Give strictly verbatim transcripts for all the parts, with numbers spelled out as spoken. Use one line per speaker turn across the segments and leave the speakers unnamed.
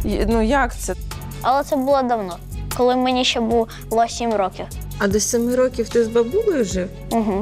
Ну як це?
Але це було давно, коли мені ще було сім років.
А до семи років ти з бабулею жив?
Угу.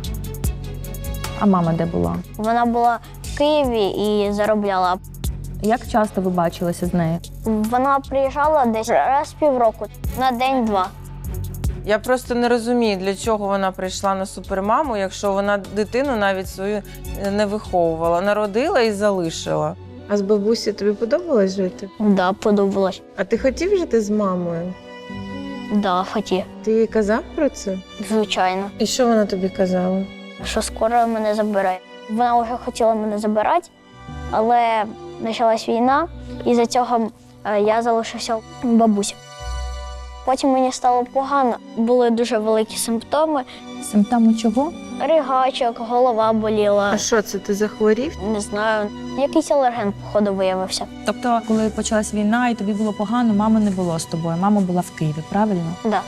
А мама де була?
Вона була в Києві і заробляла.
Як часто ви бачилися з нею?
Вона приїжджала десь раз в півроку, на день-два.
Я просто не розумію, для чого вона прийшла на супермаму, якщо вона дитину навіть свою не виховувала. Народила і залишила. А з бабусею тобі подобалось жити?
Да, подобалось.
А ти хотів жити з мамою?
Да, хотів.
Ти їй казав про це?
Звичайно.
І що вона тобі казала?
Що скоро мене забере. Вона вже хотіла мене забирати, але почалась війна, і за цього я залишився у бабусі. Потім мені стало погано, були дуже великі симптоми.
Симптоми чого?
Ригачок, голова боліла.
А що це, ти захворів?
Не знаю, якийсь алерген, походу, виявився.
Тобто, коли почалась війна і тобі було погано, мами не було з тобою, мама була в Києві, правильно?
Да.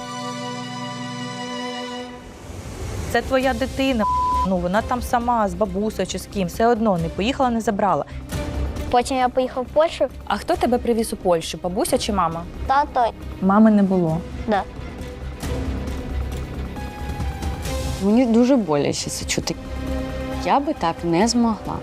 Це твоя дитина, ну вона там сама, з бабусею чи з ким, все одно не поїхала, не забрала.
Потім я поїхав в Польщу,
А хто тебе привіз у Польщу, бабуся чи мама?
тато,
Мами не було.
да.
Мені дуже боляче це чути. Я би так не змогла.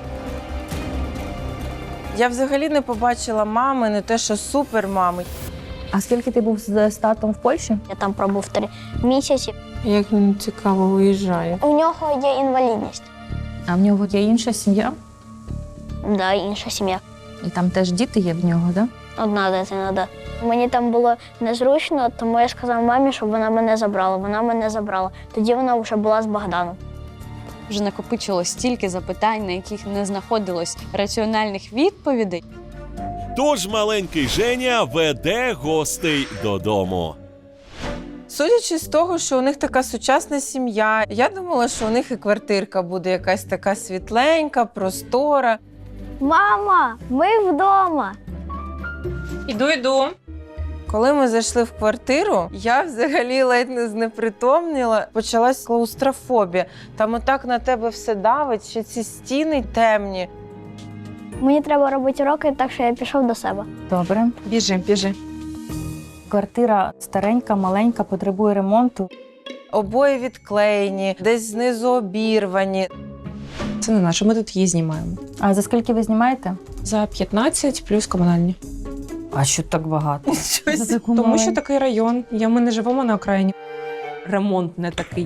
Я взагалі не побачила мами, не те, що супермами.
А скільки ти був з, з татом в Польщі?
Я там пробув три місяці.
Як він цікаво виїжджає.
У нього є інвалідність.
А в нього є інша сім'я?
Да, інша сім'я.
І там теж діти є в нього, так? Да?
Одна дитина, да. Мені там було незручно, тому я сказав мамі, щоб вона мене забрала. Вона мене забрала. Тоді вона вже була з Богданом.
Вже накопичилось стільки запитань, на яких не знаходилось раціональних відповідей.
Тож маленький Женя веде гостей додому.
Судячи з того, що у них така сучасна сім'я, я думала, що у них і квартирка буде якась така світленька, простора.
Мама, ми вдома.
Іду, йду. Коли ми зайшли в квартиру, я взагалі ледь не знепритомніла. Почалась клаустрофобія. Там отак на тебе все давить, ще ці стіни темні.
Мені треба робити уроки, так що я пішов до себе.
Добре.
Біжи, біжи.
Квартира старенька, маленька, потребує ремонту.
Обої відклеєні, десь знизу обірвані.
Це не наше, ми тут її знімаємо.
А за скільки ви знімаєте?
За п'ятнадцять плюс комунальні.
А що так багато?
Щось.
За таку
Тому що
маленьку?
такий район, я, ми не живемо на окраїні. Ремонт не такий.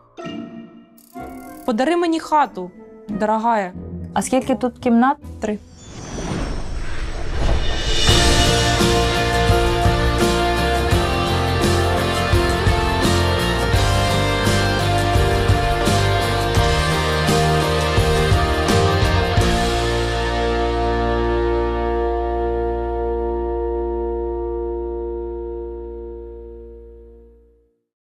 Подари мені хату, дорогая.
А скільки тут кімнат?
Три.